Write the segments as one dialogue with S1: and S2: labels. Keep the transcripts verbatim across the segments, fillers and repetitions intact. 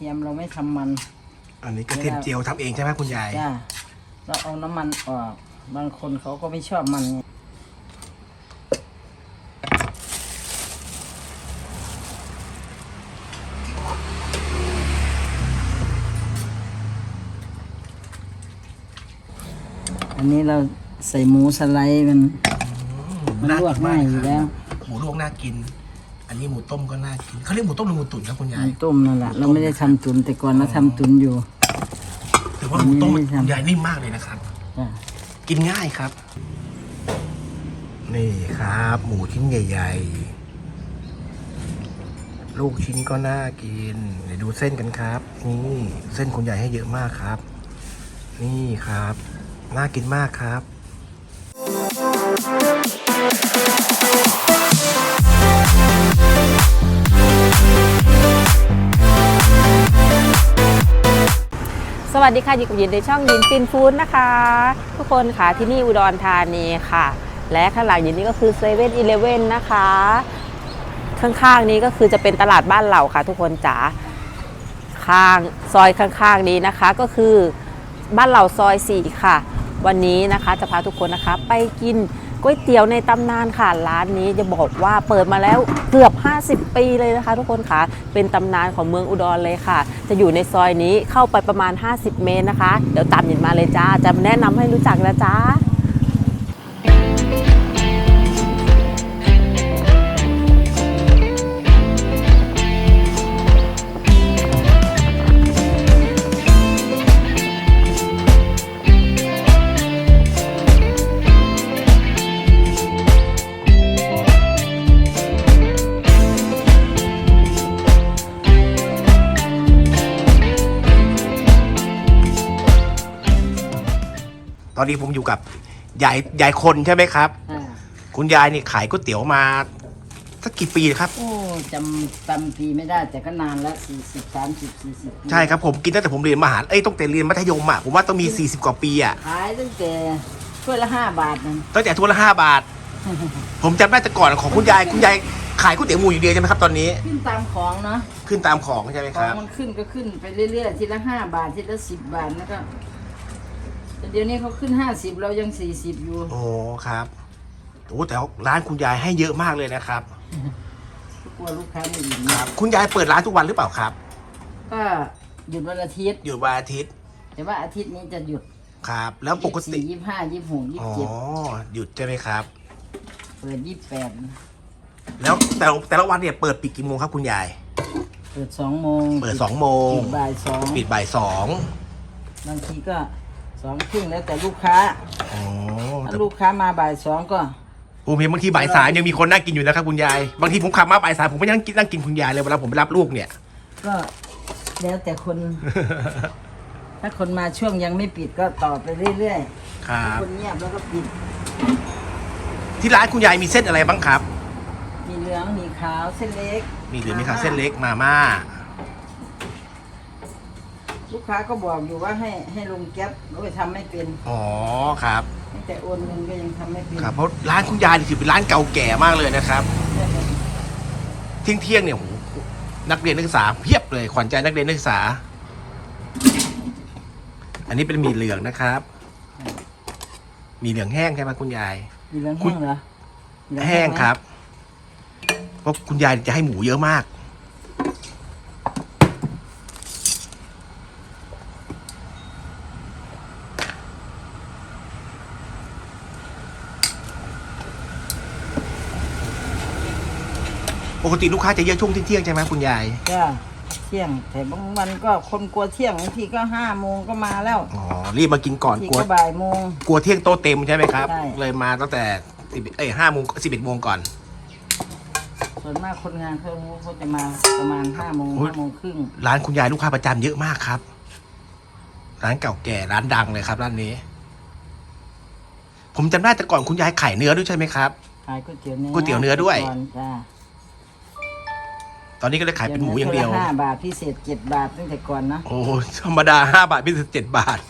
S1: ทียมเราไม่ทำมัน
S2: อันนี้กระเทียมเจียวทำเองใช่ไหมคุณยาย
S1: จ้าเราเอาน้ำมันออกบางคนเขาก็ไม่ชอบมันอันนี้เราใส่หมูสไลด์มันมันลวกง่ายอยู่แล้ว
S2: หมูลวกน่ากินอันนี้หมูต้มก็น่ากินเขาเรียกหมูต้มหรือหมูตุ๋นครับคุณยาย
S1: หมูต้มนั่นแหละเราไม่ได้ทำตุ๋นแต่ก่อนเราทำตุ๋นอยู่
S2: ถือว่าหมูต้มคุณยายนิ่มมากเลยนะครับกินง่ายครับนี่ครับหมูชิ้นใหญ่ๆลูกชิ้นก็น่ากินเดี๋ยวดูเส้นกันครับนี่เส้นคุณยายให้เยอะมากครับนี่ครับน่ากินมากครับ
S3: สวัสดีค่ะอยู่กับยินในช่องยินฟินฟู้ดนะคะทุกคนค่ะที่นี่อุดรธานีค่ะและข้างหลังยินนี้ก็คือเซเว่นอีเลฟเว่นนะคะข้างๆนี้ก็คือจะเป็นตลาดบ้านเหล่าค่ะทุกคนจ๋าข้างซอยข้างๆนี้นะคะก็คือบ้านเหล่าซอยสี่ค่ะวันนี้นะคะจะพาทุกคนนะคะไปกินก๋วยเตี๋ยวในตำนานค่ะร้านนี้จะบอกว่าเปิดมาแล้วเกือบห้าสิบปีเลยนะคะทุกคนค่ะเป็นตำนานของเมืองอุดรเลยค่ะจะอยู่ในซอยนี้เข้าไปประมาณห้าสิบเมตรนะคะเดี๋ยวตามหยินมาเลยจ้าจะแนะนำให้รู้จักนะจ้า
S2: ตอนนี้ผมอยู่กับยายยายคนใช่ไหมครับคุณยายนี่ขายก๋วยเตี๋ยวมาสักกี่ปีครับ
S1: โอ้จำจำปีไม่ได้แต่ก็นานแล้วสี่สิบสามสิบสี่สิบ
S2: ใช่ครับผมกินตั้งแต่ผมเรียนมหาเอ้ยตั้งแต่เรียนมัธยมอ่ะผมว่าต้องมีสี่สิบกว่าปีอ่ะ
S1: ขายตั้งแต่ถ้วยละห้าบาทนั่น
S2: ตั้งแต่ถ้วยละห้าบาทผมจำได้แต่ก่อนของคุณยายคุณยายขายก๋วยเตี๋ยวหมูอยู่เดียวใช่ไหมครับตอนนี้
S1: ขึ้นตามของเนาะ
S2: ขึ้นตามของใช่ไหมครับ
S1: มันขึ้นก็ขึ้นไปเรื่อยๆทีละห้าบาททีละสิบบาทแล้วก็เดี๋ยวนี้เขาขึ้นห้าสิบเรายังสี่สิบอยู่
S2: โอ้ครับโอ้แต่ร้านคุณยายให้เยอะมากเลยนะครับ
S1: กลัวลูกค้าไม่อิ่ม
S2: ครับคุณยายเปิดร้านทุกวันหรือเปล่าครับ
S1: ก็หยุดวันอาทิตย์
S2: หยุดวันอาทิตย์
S1: แต่ว่าอาทิตย์นี้จะหยุด
S2: ครับแล้วปกติ
S1: ยี่สิบห้ายี่สิบหกยี่สิบเจ็ด
S2: อ๋อหยุดใช่ไหมครับ
S1: เปิดยี่สิบแปด
S2: แล้วแต่แต่ละวันเนี่ยเปิดปิดกี่โมงครับคุณยาย
S1: เปิดสองโมง
S2: เปิดสองโมง
S1: ปิดบ่ายสอง
S2: ปิดบ่ายสอง
S1: บางทีก็สองครึ่งแล้วแต่ลูกค้า
S2: อ๋อ
S1: ถ้าลูกค้ามาบ่ายสองก็
S2: ผมเห็นบางทีบ่ายสามยังมีคนนั่งกินอยู่นะครับคุณยายบางทีผมขับมาบ่ายสามผมก็ยังนั่งกินคุณยายเลยเวลาผมไปรับลูกเนี่ย
S1: ก็แล้วแต่คน ถ้าคนมาช่วงยังไม่ปิดก็ต่อไปเรื่อย
S2: ๆครับ
S1: คนเงียบแล้วก็ปิด
S2: ที่ร้านคุณยายมีเส้นอะไรบ้างครับ
S1: มีเหลืองมีขาวเส้นเล็ก
S2: มีเหลืองมีขาวเส้นเล็กมาม่า
S1: ลูกค้าก็บอกอยู่ว่าให้ให้ลงแก๊ปโดยทำไม่เป็น
S2: อ๋อครับ
S1: แต่โอนเงินก็ยังทำไม่เป็น
S2: ครับเพราะร้านคุณยายถือเป็นร้านเก่าแก่มากเลยนะครับเที่ยงเที่ยงเนี่ยโหนักเรียนนักศึกษาเพียบเลยขวัญใจนักเรียนนักศึกษาอันนี้เป็นหมี่เหลืองนะครับหมี่เหลืองแห้งใช่ไหมคุณยาย
S1: หมี่เหลืองแห้งเหรอ
S2: แห้งครับเพราะคุณยายจะให้หมูเยอะมากปกติลูกค้าจะเยอะช่วงเที่ยงใช่ไหมคุณยาย
S1: จ้าเที่ยงแต่บางวันก็คนกลัวเที่ยงบางทีก็ห้าโมงก็มาแล้ว
S2: อ๋อรีบมากินก่อน
S1: กลัวบ่ายโมง
S2: กลัวเที่ยงโตเต็มใช่ไหมครับเลยมาตั้งแต่สิบเอ้ยห้าโมงสิบเอ็ดโมงก่อน
S1: ส่วนมากคนงานเขาเขาจะมาประมาณห้าโมงห้าโมงครึ่ง
S2: ร้านคุณยายลูกค้าประจำเยอะมากครับร้านเก่าแก่ร้านดังเลยครับร้านนี้ผมจำได้แต่ก่อนคุณยายขายเนื้อด้วยใช่ไหมครับ
S1: ขายก๋วยเตี๋ยวเนื้อ
S2: ก๋วยเตี๋ยวเนื้อด้วยตอนนี้ก็เลยขายเป็นหมูอย่างเดียว
S1: ห้าบาทพิเศษเจ็ดบาทตั้งแต่ก่อนนะ
S2: โอ้ธรรมดาห้าบาทพิเศษเจ็ดบาท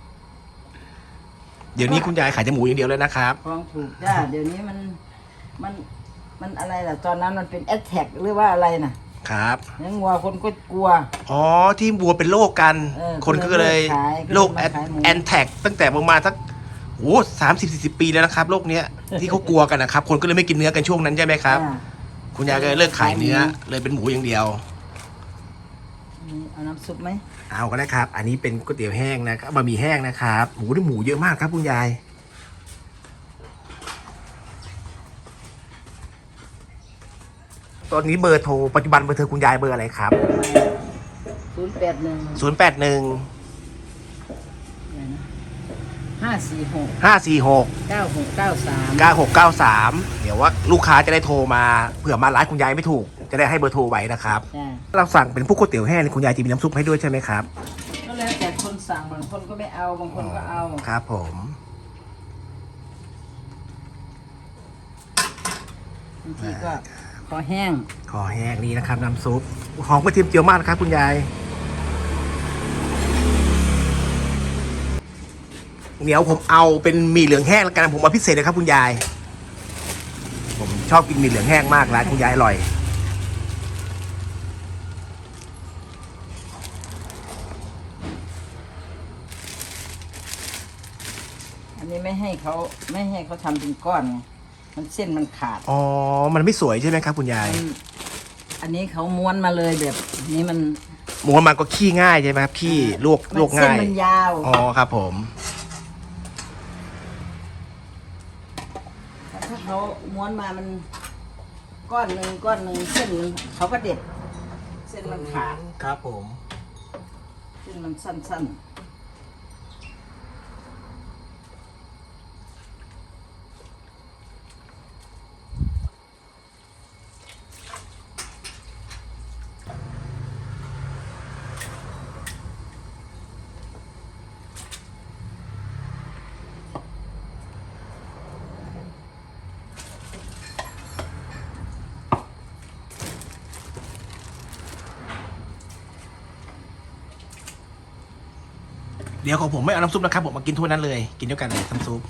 S2: เดี๋ยวนี้คุณยายขายแต่หมูอย่างเดียวเลยนะครับ
S1: ฟองถูกจ้าเดี๋ยวนี้มันมันมันอะไรล่ะตอนนั้นมันเป็นแอดแท็กหรือว่าอะไรน่ะ
S2: ครับ
S1: เลี้ยงวัวคนก็กลัว
S2: อ๋อที่วัวเป็นโรคกัน
S1: เออ
S2: คนก็เลย
S1: ก็เลยขาย
S2: โรค
S1: ก็เลยมาขายหมู
S2: แอนแท็กตั้งแต่ประมาณสักโอ้สามสิบสี่สิบปีแล้วนะครับโรคเนี้ยที่เขากลัวกันนะครับ คนก็เลยไม่กินเนื้อกันช่วงนั้นใช่ไหมครับ
S1: อ่า
S2: คุณยายก็เลยเลิกขายเนื้อเลยเป็นหมูอย่างเดียว
S1: นี่เอาน้ำซุปไหม
S2: เอาก็ได้ครับ อันนี้เป็นก๋วยเตี๋ยวแห้งนะครับบะหมี่แห้งนะครับหมูได้หมูเยอะมากครับคุณยายตอนนี้เบอร์โทรปัจจุบันเบอร์โทรคุณยายเบอร์อะไรครับ
S1: ศูนย์แปดหนึ่ง
S2: ศูนย์แปดหนึ่ง
S1: ห้าสี่หก
S2: ห้าสี่หก
S1: เก้าหกเก้าสาม
S2: เก้าหกเก้าสามเดี๋ยวว่าลูกค้าจะได้โทรมาเผื่อมาร้านคุณยายไม่ถูกจะได้ให้เบอร์โทรไว้นะครับ
S1: จ้ะ
S2: เราสั่งเป็นพวกก๋วยเตี๋ยวแห้งคุณยายจะมีน้ำซุปให้ด้วยใช่ไหมครับ
S1: ก็แล้วแต่คนสั่งบางคนก็ไม่เอาบางคนก็เอา
S2: ครับผม
S1: บางทีก็ขอแห้ง
S2: ขอแห้งนี่นะครับน้ำซุปหอมกระเทียมเจียวมากนะครับคุณยายเดี๋ยวผมเอาเป็นหมี่เหลืองแห้งแล้วกันผมเอาพิเศษเลยครับคุณยาย ผมชอบกินหมี่เหลืองแห้งมากร้านคุณยายอร่อย
S1: อันนี้ไม่ให้เขาไม่ให้เขาทำเป็นก้อนไงมันเส้นมันขาด
S2: อ๋อมันไม่สวยใช่ไหมครับคุณยาย
S1: มันอันนี้เขาม้วนมาเลยแบบนี้มัน
S2: หมูมันก็ขี้ง่ายใช่ไหมครับขี้ลวกลวก
S1: เส้น
S2: ง่าย
S1: มันยาว
S2: อ๋อครับผม
S1: ถ้าเขาม้วนมามันก้อนหนึ่งก้อนหนึ่งเส้นหนึ่งเขาก็เด็ด เส้นมันขาด
S2: ครับผม
S1: เส้นมันสั้นๆ
S2: เดี๋ยวของผมไม่เอาน้ำซุปนะครับผมมากินถ้วยนั้นเลยกินด้วยกันเลยน้ำซุป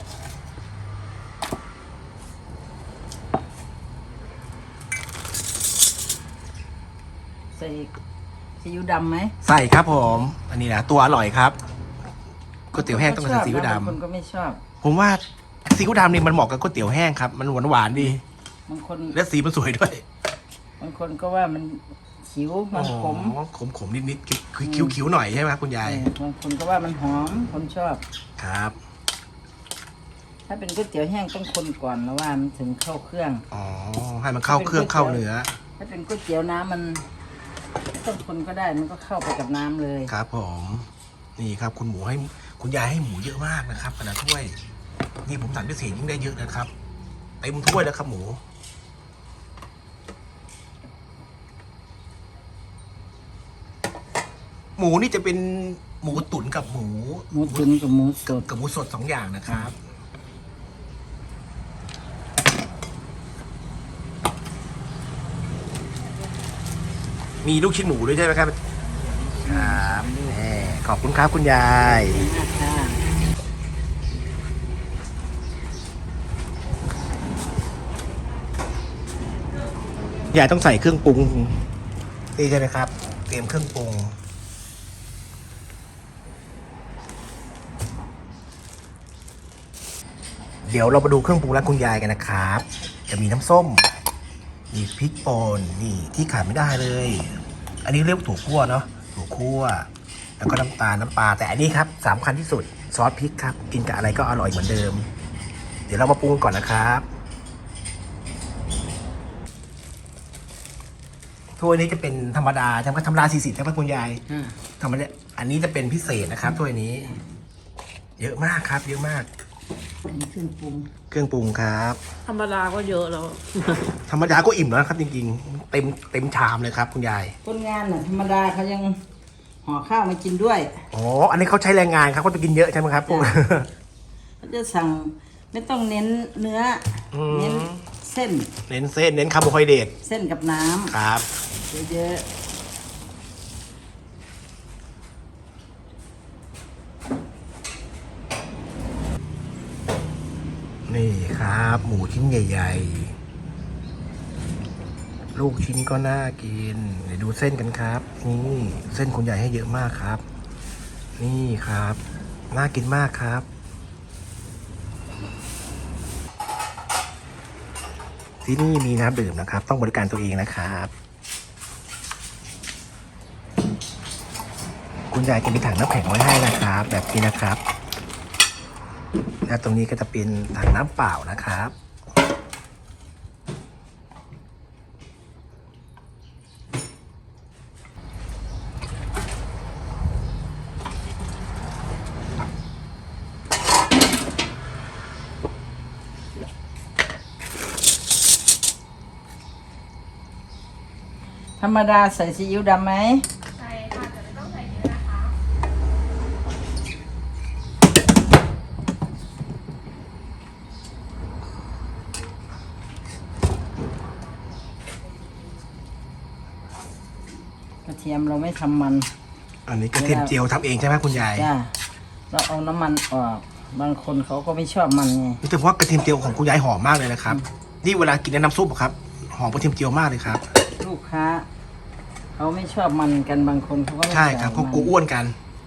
S1: ใส่ซีอิ๊วดำไหม
S2: ใส่ครับผม อันนี้นะตัวอร่อยครับก๋วยเตี๋ยวแห้งต้องใส่ซีอิ๊วด
S1: บางคนก็ไม่ชอบ
S2: ำผมว่าซีอิ๊วดำนี่มันเหมาะกับก๋วยเตี๋ยวแห้งครับมันหวานหวานๆดี
S1: บางคน
S2: และสีมันสวยด้วย
S1: บางคนก็ว่ามันขิวมันขม
S2: อ๋อขมขมนิดนิดๆคิ้วคิ้วๆหน่อยใช่ไหมครับคุณยาย
S1: เออบางคนก็ว่ามันหอมคนชอบ
S2: ครับ
S1: ถ้าเป็นก๋วยเตี๋ยวแห้งต้องคนก่อนแล้วว่ามันถึงเข้าเครื่อง
S2: อ๋อให้มันเข้าเครื่องเข้าเนื้อ
S1: ถ้าเป็นก๋วยเตี๋ยวน้ำมันไม่ต้องคนก็ได้มันก็เข้าไปกับน้ำเลย
S2: ครับผม นี่ครับคุณหมูให้คุณยายให้หมูเยอะมากนะครับขนาดถ้วย นี่ผมสั่งพิเศษยิ่งได้เยอะนะครับเต็มถ้วยแล้วครับหมู หมูนี่จะเป็นหมูตุ๋นกับหมู
S1: หมูตุ๋นกับหมูสด
S2: กับหมูสดสองอย่างนะครับ มีลูกชิ้นหมูด้วยใช่ไหมครับ ครับแหมขอบคุณครับคุณยาย
S1: ค่ะ
S2: ยายต้องใส่เครื่องปรุงนี่ใช่ไหมครับ เตรียมเครื่องปรุง เดี๋ยวเรามาดูเครื่องปรุงร้านคุณยายกันนะครับ จะมีน้ำส้ม มีพริกป่นนี่ที่ขาดไม่ได้เลย อันนี้เรียกว่าถั่วคั่วเนาะถั่วคั่ว แล้วก็น้ำตาลน้ำปลาแต่อันนี้ครับสำคัญที่สุดซอสพริกครับ กินกับอะไรก็อร่อยเหมือนเดิม เดี๋ยวเรามาปรุงก่อนนะครับถ้วยนี้จะเป็นธรรมดาใช่ไหมธรรมดาสี่สิบใช่ไหมคุณยาย
S1: อ่า
S2: ธรรมดาอันนี้จะเป็นพิเศษนะครับถ้วยนี้ เยอะมากครับ เยอะมาก
S1: อันนี้เครื่องปรุง
S2: เครื่องปรุงครับ
S3: ธรรมดาก็เยอะแล้ว
S2: ธรรมดาก็อิ่มแล้วนะครับ จริงๆ เต็มเต็มชามเลยครับ คุณยาย
S1: คนงานน่ะธรรมดาเขายังห่อข้าวมากินด้วย
S2: อ๋ออันนี้เขาใช้แรงงานครับเขาจะกินเยอะใช่ไหมครับพวก
S1: เขาจะสั่งไม่ต้องเน้นเนื้ออ
S2: ม
S1: เน้นเส้น
S2: เน้นเส้นเน้นคาร์โบไฮเดรต
S1: เส้นกับน้ำ
S2: ครับ
S1: เยอะ
S2: นี่ครับ หมูชิ้นใหญ่ลูกชิ้นก็น่ากินเดี๋ยวดูเส้นกันครับนี่เส้นคุณยายให้เยอะมากครับ นี่ครับน่ากินมากครับที่นี่มีน้ำดื่มนะครับต้องบริการตัวเองนะครับคุณยายจะมีถังน้ำแข็งไว้ให้นะครับแบบนี้นะครับและตรงนี้ก็จะเป็นถังน้ำเปล่านะครับ
S1: ธรรมดาใส่ซีอิ๊วดำไหมใส่ค่ะแต่ไม่ต้องใส่เยอะนะคะกระเทียมเราไม่ทำมัน
S2: อันนี้กระเทียมเจียวทำเองใช่ไหมคุณยาย
S1: จ้าเราเอาน้ำมันออกบางคนเขาก็ไม่ชอบมันไง
S2: แต่ว่ากระเทียมเจียวของคุณยายหอมมากเลยนะครับนี่เวลากินน้ำซุปอะครับหอมกระเทียมเจียวมากเลยครับ
S1: ลูกค้าเขาไม่ชอบมันกันบางคนเขาก็ไม่
S2: ใช่ครับ
S1: ส่
S2: เขา
S1: มัน
S2: กลัวอ้วนกัน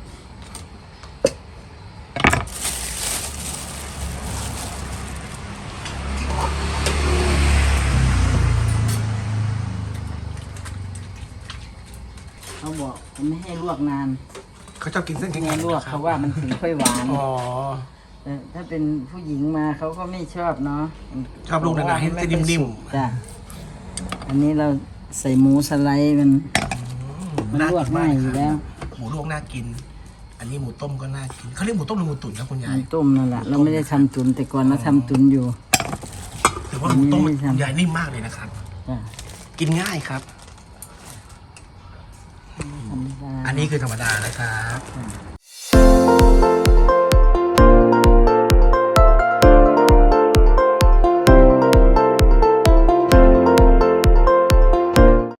S1: เขาบอกไม่ให้ลวกนาน
S2: เขาชอบกินเส้น
S1: ไม่
S2: แข็
S1: ให้
S2: งๆ
S1: ลวก
S2: นะครั
S1: เขา
S2: บ
S1: ว่ามันถึงค่อยหวาน
S2: อ๋อ
S1: แต่ถ้าเป็นผู้หญิงมาเขาก็ไม่ชอบเนาะ
S2: ชอบลูกหนาๆให้เส้นนิ่มๆ
S1: จ้ะอันนี้เราใส่หมูสไลด์มันมันลวกง่ายอยู่แล้ว
S2: หมูลวกน่ากิน อันนี้หมูต้มก็น่ากินเขาเรียกหมูต้มหรือหมูตุ๋นครับคุณยาย
S1: มันต้มนั่นแหละเราไม่ได้ทำตุนแต่ก่อนเราทำตุนอยู่
S2: แต่ว่าหมูต้ม
S1: อันนี้ไม่ทำ
S2: คุณยายนิ่มมากเลยนะครับ
S1: จ้ะ
S2: กินง่ายครับ
S1: ธรรมดา
S2: อันนี้คือธรรมดานะครับ
S1: จ้ะ